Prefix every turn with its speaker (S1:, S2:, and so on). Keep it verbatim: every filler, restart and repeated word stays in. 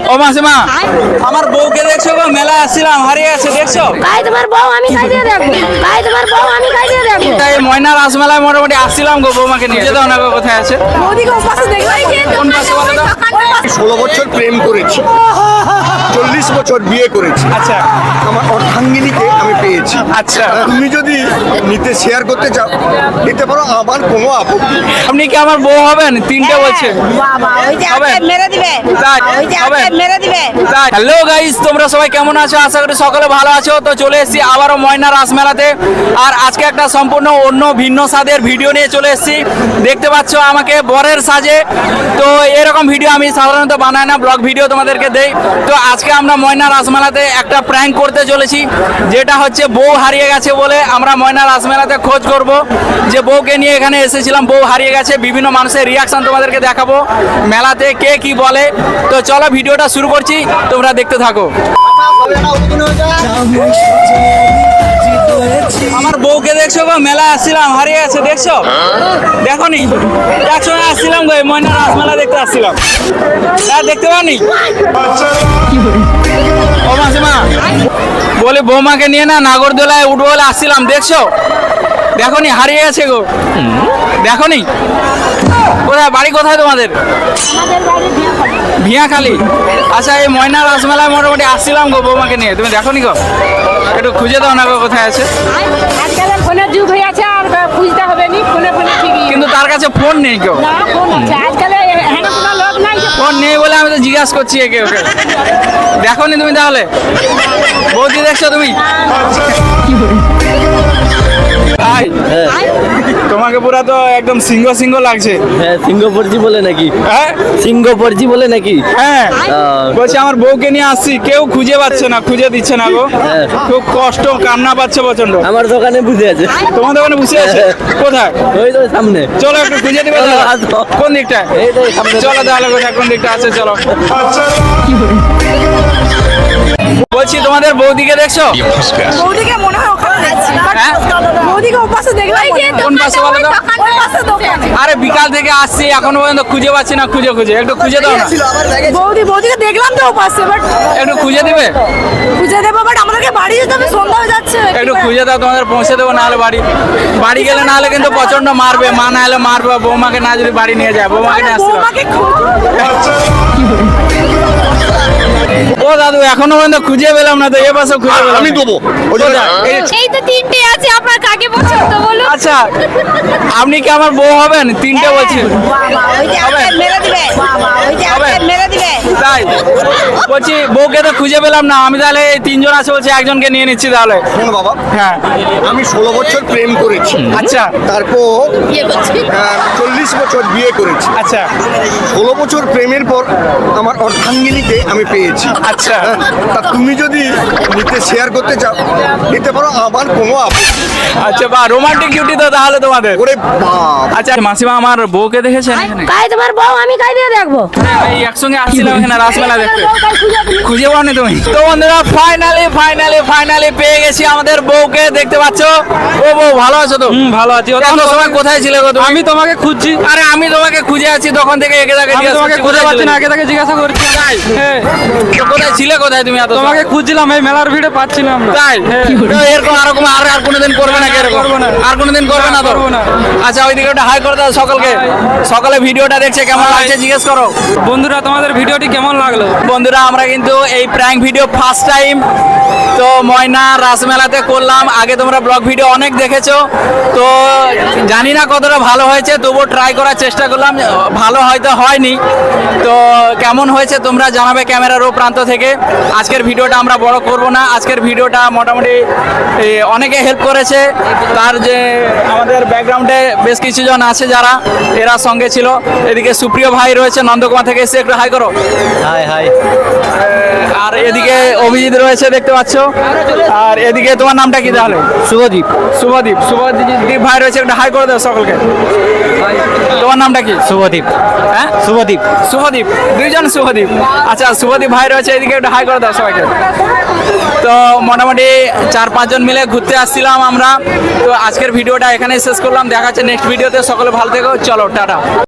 S1: ও মাসিমা, আমার বউকে দেখছো গো? মেলা আসছিলাম, হারিয়ে গেছে দেখছো?
S2: গাই তোমার বউ আমি খাই দিয়ে দেখবো। গাই তোমার বউ আমি খাই দিয়ে দেখবো।
S1: এই ময়না রাসমেলায় মোটামুটি আসছিলাম গো, বৌমাকে নিয়ে যেতে না গো, কোথায় আছে?
S2: ওদিকে ওপাশে দেখলাই যে
S1: কোন পাশে বলো তো?
S3: ষোলো বছর প্রেম করেছি, চল্লিশ বছর বিয়ে করেছি।
S1: আচ্ছা
S3: আমার অর্ধাঙ্গিনীকে আমি পেয়েছি।
S1: আচ্ছা,
S3: তুমি যদি নিতে শেয়ার করতে চাও নিতে পারো, আমার কোনো আপত্তি নেই।
S1: আপনি কি আমার বউ হবেন? তিনটে বলছে।
S2: বাবা ওই যে
S1: হবে?
S2: আপনি মেরে দিবে।
S1: তাই?
S2: ওই যে
S1: হবে?
S2: আপনি মেরে দিবে।
S1: হ্যালো গাইস, তোমরা সবাই কেমন আছো? আশা করি সকলে ভালো আছো। তো চলে এসেছি আবারও ময়না রাসমেলাতে, আর আজকে একটা সম্পূর্ণ অন্য ভিন্ন স্বাদের ভিডিও নিয়ে চলে এসেছি। দেখতে পাচ্ছ আমাকে বরের সাজে। তো এরকম ভিডিও আমি সাধারণত বানাই না, ব্লগ ভিডিও তোমাদেরকে দেই। তো আজকে আমরা ময়না রাসমেলাতে একটা প্র্যাঙ্ক করতে চলেছি, যেটা হচ্ছে বউ হারিয়ে গেছে বলে আমরা ময়না রাসমেলাতে খোঁজ করব যে বউকে নিয়ে এখানে এসেছিলাম, বউ হারিয়ে গেছে। বিভিন্ন মানুষের রিয়াকশন তোমাদেরকে দেখাবো, মেলাতে কে কি বলে। তো চলো ভিডিওটা শুরু করছি, তোমরা দেখতে থাকো। আমার বউকে দেখছো গো? মেলা আসছিলাম, হারিয়ে গেছে দেখছো? দেখো নি? একসঙ্গে আসছিলাম গো, এই ময়না রাসমেলা দেখতে আসছিলাম। আর দেখতে পাওনি? ও মাসিমা, বলি বৌমাকে নিয়ে না নাগরদোলায় উঠবো বলে আসছিলাম, দেখছো? দেখো নি? হারিয়ে গেছে গো, দেখো নি? কোথায় বাড়ি, কোথায় তোমাদের? ভিয়াখালি। আচ্ছা, এই ময়না রাসমেলায় মোটামুটি আসছিলাম গো বৌমাকে নিয়ে, তুমি দেখো নি গো? একটু খুঁজে দাও না গো, কোথায় আছে?
S2: আজকাল ফোনের যুগ হয়ে আছে, আর খুঁজতে হবে নি। ফোনে ফোনে ঠিকই
S1: কিন্তু তার কাছে ফোন নেই কেউ।
S2: না, ফোন আছে আজকাল। হ্যাঁ কোনো লোক নাই যে
S1: ফোন নেই বলে আমি তো জিজ্ঞাসা করছি একে ওকে। দেখো নি তুমি তাহলে? বৌদি দেখছো তুমি? ভাই, তোমাকে পুরা তো একদম সিংহ সিংহ লাগছে।
S4: হ্যাঁ, সিঙ্গাপুরজি বলে নাকি?
S1: হ্যাঁ
S4: সিঙ্গাপুরজি বলে নাকি?
S1: হ্যাঁ,
S4: আহ,
S1: বলছি আমার বউকে নিয়ে আসছি, কেউ খুঁজে পাচ্ছে না, খুঁজে দিচ্ছে না গো।
S4: হ্যাঁ।
S1: খুব কষ্ট, কান্না পাচ্ছে প্রচন্ড।
S4: আমার দোকানে বুঝে আছে।
S1: তোমার দোকানে বসে আছে? কোথায়?
S4: ওই তো সামনে।
S1: চলো একটু খুঁজে দিবে
S4: চলো,
S1: তাহলে?
S4: আসো।
S1: কোন দিকটা?
S4: এই তো সামনে।
S1: চলো তাহলে, কোথায় কোন দিকটা আছে চলো। বলছি তোমাদের বৌদিকে দেখছো?
S2: বৌদিকে মনে হয় ওখানে দেখছি।
S1: হ্যাঁ?
S2: বৌদিকে ওপাশে দেখলাই যে
S1: কোন পাশে বলো তো?
S2: ওই পাশে দোকানে।
S1: আরে বিকাল থেকে আসছি, এখনো পর্যন্ত খুঁজে পাচ্ছি না, খুঁজে খুঁজে একটু খুঁজে দাও না।
S2: বৌদি বৌদিকে দেখলাম তো ওপাশে, বাট
S1: একটু খুঁজে দিবে?
S2: খুঁজে দেবো, বাট আমাদেরকে বাড়ি যেতে হবে, সন্ধ্যা হয়ে যাচ্ছে।
S1: একটু খুঁজে দাও, তোমাদের পৌঁছে দেবো, নাহলে বাড়ি বাড়ি গেলে নাহলে কিন্তু প্রচন্ড মারবে, মা না হলে মারবে, বৌমাকে না যদি বাড়ি নিয়ে যায়, বৌমাকে নিয়ে আসতে হবে।
S2: বৌমাকে খুঁজে
S1: ও দাদু, এখনো পর্যন্ত খুঁজে পেলাম না তো, এ পাশে খুঁজে পেলাম
S3: আমি
S1: না।
S3: দেবো ওই জন্য।
S1: কোথায়? এই যে-
S2: এই তো তিনটে আছে, আপনার কাকে পছন্দ বলুন?
S1: আচ্ছা, আপনি কি আমার বউ হবেন? তিনটে বলছি।
S2: বাবা ওই যে
S1: হবে?
S2: আপনি মেরে দিবে। বাবা ওই যে
S1: হবে?
S2: আপনি মেরে দিবে।
S1: তাই বলছি, বউকে তো খুঁজে পেলাম না, আমি তাহলে এই তিনজন আছে বলছি, একজনকে নিয়ে নিচ্ছি তাহলে।
S3: শোনো বাবা,
S1: হ্যাঁ,
S3: আমি ষোলো বছর প্রেম করেছি,
S1: আচ্ছা
S3: তারপর আহ, চল্লিশ বছর বিয়ে করেছি।
S1: আচ্ছা
S3: ষোলো বছর প্রেমের পর আমার অর্ধাঙ্গিনীকে আমি পেয়েছি।
S1: আচ্ছা।
S3: হ্যাঁ, তা তুমি যদি নিতে শেয়ার করতে চাও নিতে পারো, আমার কোনো আপত্তি নেই।
S1: আচ্ছা, বা রোমান্টিক ডিউটি তো তাহলে তোমাদের।
S3: ওরে বাপ,
S1: আচ্ছা মাসিমা, আমার বউকে দেখেছেন এখানে?
S2: গাই তোমার বউ আমি খাই দিয়ে দেখবো।
S1: এই একসঙ্গে আসছিলাম এখানে রাসমেলা দেখতে, খুঁজে পাওনি তুমি? তো বন্ধুরা, ফাইনালি ফাইনালি ফাইনালি পেয়ে গেছি আমাদের বউকে, দেখতে পাচ্ছ। ও বউ, ভালো আছো তো?
S5: ভালো আছি।
S1: এত সময় কোথায় ছিলে গো তুমি?
S5: আমি তোমাকে খুঁজছি।
S1: আরে আমি তোমাকে খুঁজে আছি তখন থেকে, একে তাকে
S5: আমি
S1: জিজ্ঞাসা
S5: তোমাকে
S1: করছি,
S5: খুঁজে
S1: কোথায়
S5: পাচ্ছি না,
S1: ছিলে?
S5: আগে থেকে জিজ্ঞাসা করছি।
S1: তাই?
S5: হ্যাঁ,
S1: তো কোথায় ছিলে, কোথায় তুমি এত
S5: তোমাকে
S1: সময়?
S5: খুঁজছিলাম, এই মেলার ভিড়ে পাচ্ছিলাম না।
S1: তাই?
S5: হ্যাঁ।
S1: তো এরকম আরকম আর আর কোনোদিন করবে না? এরকম
S5: করবো না।
S1: আর কোনোদিন করবে না তো?
S5: করবো না।
S1: আচ্ছা, ওইদিকে ওটা হাই করে দাও সকলকে। সকলে ভিডিওটা দেখছে, কেমন
S5: Hi.
S1: লাগছে জিজ্ঞেস করো।
S5: বন্ধুরা, তোমাদের ভিডিওটি কেমন লাগলো?
S1: বন্ধুরা, আমরা কিন্তু এই প্র্যাঙ্ক ভিডিও ফার্স্ট টাইম তো ময়না রাসমেলাতে করলাম। আগে তোমরা ব্লগ ভিডিও অনেক দেখেছো, তো জানি না কতটা ভালো হয়েছে, তবুও ট্রাই করার চেষ্টা করলাম। ভালো হয়তো হয়নি, তো কেমন হয়েছে তোমরা জানাবে ক্যামেরার ও প্রান্ত থেকে। আজকের ভিডিওটা আমরা বড় করব না, আজকের ভিডিওটা মোটামুটি এ, অনেকে হেল্প করেছে। তার যে আমাদের ব্যাকগ্রাউন্ডে বেশ কিছুজন আছে যারা এরা সঙ্গে ছিল। এদিকে সুপ্রিয় ভাই রয়েছে নন্দকুমার থেকে এসে, একটু হাই করো।
S4: High high.
S1: আর এদিকে অভিজিৎ রয়েছে, দেখতে পাচ্ছ। আর এদিকে তোমার নামটা কি তাহলে?
S4: শুভদীপ।
S1: শুভদীপ। শুভদীপ ভাই রয়েছে, একটা হাই করে দাও সকলকে। তোমার নামটা কি?
S4: শুভদীপ।
S1: হ্যাঁ,
S4: শুভদীপ।
S1: শুভদীপ, দুইজন শুভদীপ। আচ্ছা, শুভদীপ ভাই রয়েছে, এদিকে একটা হাই করে দাও সবাইকে। তো মোটামুটি চার পাঁচজন মিলে ঘুরতে আসছিলাম আমরা। তো আজকের ভিডিওটা এখানেই শেষ করলাম, দেখা হচ্ছে নেক্সট ভিডিওতে। সকলে ভালো থেকো, চলো টাটা।